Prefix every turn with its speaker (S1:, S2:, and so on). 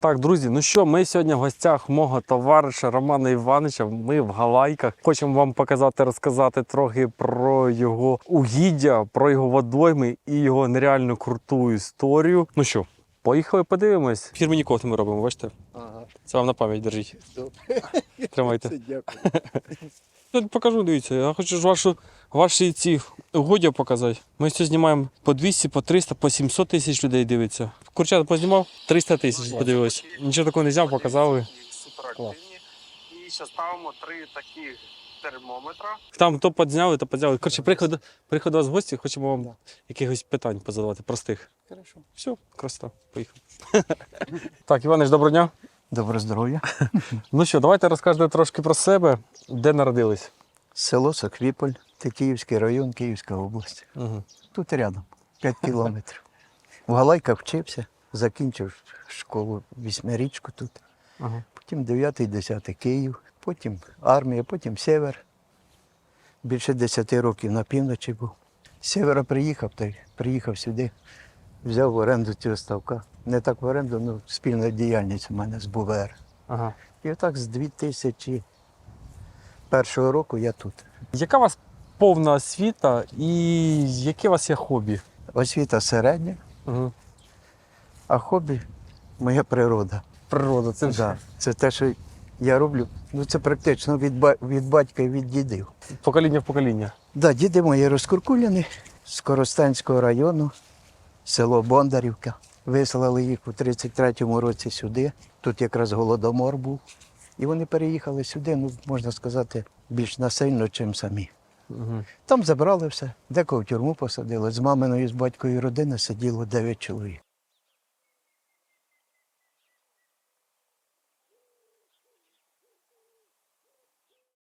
S1: Так, друзі, ну що, ми сьогодні в гостях мого товариша Романа Івановича. Ми в Галайках. Хочемо вам показати, розказати трохи про його угіддя, про його водойми і його нереально круту історію. Ну що, поїхали подивимось. Фірмені кофти ми робимо, бачите?
S2: Ага,
S1: Це вам на пам'ять держіть.
S2: добре.
S1: Тримайте.
S2: Це дякую.
S1: Я покажу, дивіться. Я хочу ж ваші ці угоддя показати. Ми все знімаємо по 200, по 300, по 700 тисяч людей дивиться. Курчат познімав, 300 тисяч подивилось. Нічого такого не зняв, показали.
S3: Суперактивні. І ще ставимо 3 такі термометра.
S1: Там то підзняли, то підзняли. Коротше, приїхали до вас в гості, хочемо вам якихось питань позадавати, простих.
S2: Хорошо.
S1: Все, красота, поїхали. Так, Іванич, доброго дня.
S2: Добре здоров'я.
S1: Ну що, давайте розкажете трошки про себе, де народились.
S2: Село Соквіполь, це Київський район, Київська область.
S1: Угу.
S2: Тут рядом, 5 кілометрів. В Галайках вчився, закінчив школу, 8-річку тут.
S1: Ага.
S2: Потім 9-10 Київ, потім армія, потім Север. Більше 10 років на півночі був. З Севера приїхав сюди, взяв в оренду цього ставка. Не так в оренду, але спільна діяльність у мене з БУВР.
S1: Ага.
S2: І отак з 2001 року я тут.
S1: Яка у вас повна освіта і яке у вас є хобі?
S2: Освіта середня,
S1: Угу.
S2: а хобі моя природа.
S1: Природа, це
S2: Да. Це те, що я роблю. Ну це практично від батька і від дідів.
S1: покоління в покоління.
S2: Да, діди мої розкуркуляні з Коростенського району, село Бондарівка. Вислали їх у 33-му році сюди. Тут якраз голодомор був. І вони переїхали сюди, ну, можна сказати, більш насильно, ніж самі.
S1: Угу.
S2: Там забрали все, декого в тюрму посадили. З маминої, з батькою родини сиділо 9 чоловік.